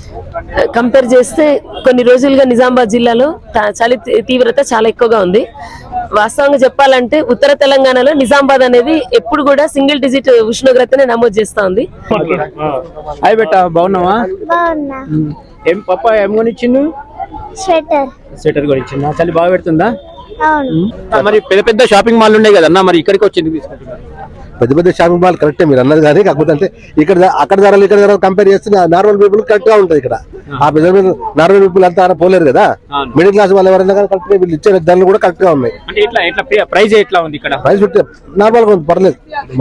Compare చేస్తే కొన్ని రోజులుగా నిజామాబాద్ జిల్లాలో చలి తీవ్రత చాలా ఎక్కువగా ఉంది. వాస్తవంగా చెప్పాలంటే ఉత్తర తెలంగాణలో నిజామాబాద్ అనేది ఎప్పుడు కూడా సింగిల్ డిజిట్ ఉష్ణోగ్రతనే నమోదు చేస్తా ఉంది. హాయ్ బెట్ట, బాగున్నావా? ఏం పప్ప ఏం కొనిచ్చిండు? స్వెటర్ కొనిచ్చిందా? చలి బాగా పెడుతుందా? మరి పెద్ద పెద్ద షాపింగ్ మాల్ ఉన్నాయి కదన్నా, మరి ఇక్కడికి వచ్చింది తీసుకుంటున్నారు? పెద్ద పెద్ద షాపింగ్ మాల్ కరెక్టే మీరు అన్నది, కానీ కాకపోతే అంటే ఇక్కడ అక్కడ ధరలు ఇక్కడ ధరలు కంపేర్ చేస్తే నార్మల్ పీపుల్ కరెక్ట్ గా ఉంటుంది. ఇక్కడ ఆ పెద్ద నార్మల్ పీపుల్ అంతా పోలేరు కదా, మిడిల్ క్లాస్ వాళ్ళు ఎవరైనా కానీ కరెక్ట్ గా వీళ్ళు ఇచ్చే ధరలు కూడా కరెక్ట్ గా ఉన్నాయి. ప్రైస్ ఎట్లా ఉంది ఇక్కడ? ప్రైస్ నార్మల్ గా పర్లేదు,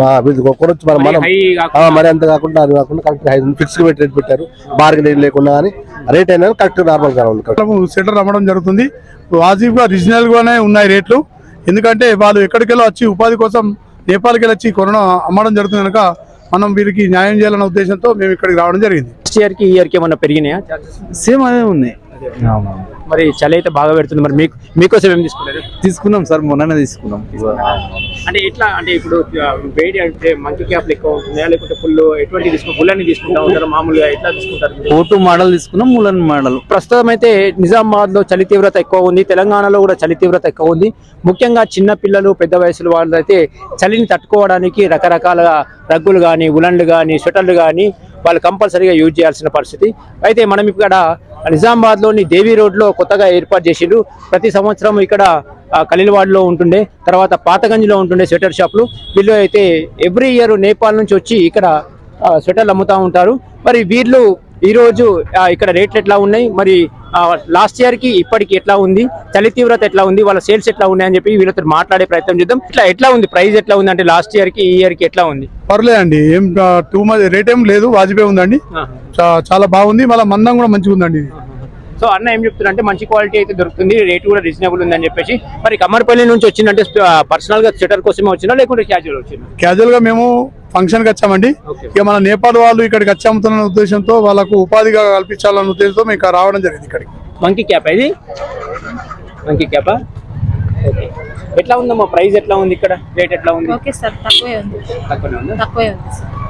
మరి అంత కాకుండా అది కాకుండా కరెక్ట్ ఫిక్స్ రేట్ పెట్టారు, బార్గెన్ లేకుండా కానీ రేట్ అయినా కరెక్ట్ నార్మల్ గా ఉంది. సెటర్ అమ్మడం జరుగుతుంది, వాజిబ్ గా రీజనల్ గానే ఉన్నాయి రేట్లు. ఎందుకంటే వాళ్ళు ఎక్కడికెళ్ళి వచ్చి ఉపాధి కోసం నేపాల్కి వెళ్ళి వచ్చి కరోనా అమ్మడం జరుగుతుంది కనుక మనం వీరికి న్యాయం చేయాలన్న ఉద్దేశంతో మేము ఇక్కడికి రావడం జరిగింది. నెక్స్ట్ ఇయర్ కి ఈ ఇయర్ కి ఏమన్నా పెరిగినాయా? సేమ్ అదే ఉన్నాయి. మరి చలి అయితే బాగా పెడుతుంది, మరి మీకోసం ఏం తీసుకున్నారు? తీసుకున్నాం సార్, మొన్ననే తీసుకున్నాం. అంటే ఎట్లా అంటే ఇప్పుడు వేడి అంటే మంకీ క్యాప్లు ఎక్కువ ఉంటున్నాయా, లేకుంటే ఫుల్ ఎటువంటి తీసుకుంటారు? ఫుల్లని తీసుకుంటా ఉంటారు మామూలుగా, ఎట్లా తీసుకుంటారు? కోటు మోడల్ తీసుకున్నాం, ములన్ మోడల్. ప్రస్తుతం అయితే నిజామాబాద్ లో చలి తీవ్రత ఎక్కువ ఉంది, తెలంగాణలో కూడా చలి తీవ్రత ఎక్కువ ఉంది. ముఖ్యంగా చిన్న పిల్లలు, పెద్ద వయసుల వాళ్ళు అయితే చలిని తట్టుకోవడానికి రకరకాల రగ్గులు కానీ, ఉలన్లు కానీ, స్వెటర్లు కానీ వాళ్ళు కంపల్సరీగా యూజ్ చేయాల్సిన పరిస్థితి. అయితే మనం ఇక్కడ నిజామాబాద్ లోని దేవి రోడ్ లో కొత్తగా ఏర్పాటు చేసిండ్రు. ప్రతి సంవత్సరం ఇక్కడ ఖలీల్వాడ్లో ఉంటుండే, తర్వాత పాతగంజ్లో ఉంటుండే స్వెటర్ షాపులు. వీళ్ళు అయితే ఎవ్రీ ఇయర్ నేపాల్ నుంచి వచ్చి ఇక్కడ స్వెటర్లు అమ్ముతూ ఉంటారు. మరి వీళ్ళు ఈరోజు ఇక్కడ రేట్లు ఎట్లా ఉన్నాయి, మరి లాస్ట్ ఇయర్ కి ఇప్పటికి ఎట్లా ఉంది, చలి తీవ్రత ఎట్లా ఉంది, వాళ్ళ సేల్స్ ఎట్లా ఉన్నాయి అని చెప్పి వీళ్ళతో మాట్లాడే ప్రయత్నం చేద్దాం. ఎట్లా ఉంది ప్రైస్, ఎట్లా ఉంది అంటే లాస్ట్ ఇయర్ కి ఈ ఇయర్ కి ఎట్లా ఉంది? పర్లేదండి, ఏం టూ మచ్ రేట్ ఏం లేదు, వాజిబే ఉందండి, చాలా బాగుంది, మళ్ళీ మందం కూడా మంచిగా ఉందండి. సో అన్న ఏం చెప్తున్నా అంటే మంచి క్వాలిటీ అయితే దొరుకుతుంది, రేట్ కూడా రీజనబుల్ ఉందని చెప్పేసి. మరి కమ్మర్పల్లి నుంచి వచ్చిందంటే పర్సనల్ గా స్వెటర్ కోసమే వచ్చినా లేకుంటే క్యాజువల్ వచ్చినా? క్యాజువల్ గా మేము ఫంక్షన్ కి వచ్చామండి. ఇక మన నేపాల్ వాళ్ళు ఇక్కడికి వచ్చాముతున్న ఉద్దేశంతో వాళ్ళకు ఉపాధిగా కల్పించాలన్న ఉద్దేశంతో మేము రావడం జరిగింది ఇక్కడికి. మంకీ క్యాప్ ఇది, మంకీ క్యాపా? ఓకే, ఎట్లా ఉందమ్మా ప్రైస్, ఎట్లా ఉంది ఇక్కడ రేట్ ఎట్లా ఉంది? ఓకే సార్, తక్కువే ఉంది. తక్కువనే ఉంది, తక్కువే ఉంది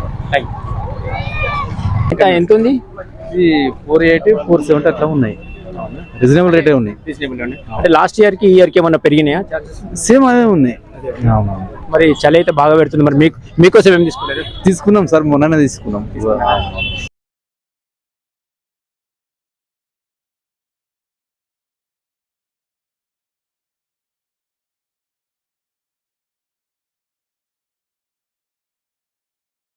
సార్. ఎంత ఉంది? 480, 470 అట్లా ఉన్నాయి, రీజనబుల్ రేటే ఉన్నాయి. అంటే లాస్ట్ ఇయర్ కి ఈ ఇయర్ కి ఏమన్నా పెరిగినాయా? సేమ్ అదే ఉన్నాయి. మరి చలి అయితే బాగా పెడుతుంది, మరి మీకోసం ఏం తీసుకున్నారు? తీసుకున్నాం సార్, మొన్ననే తీసుకున్నాం.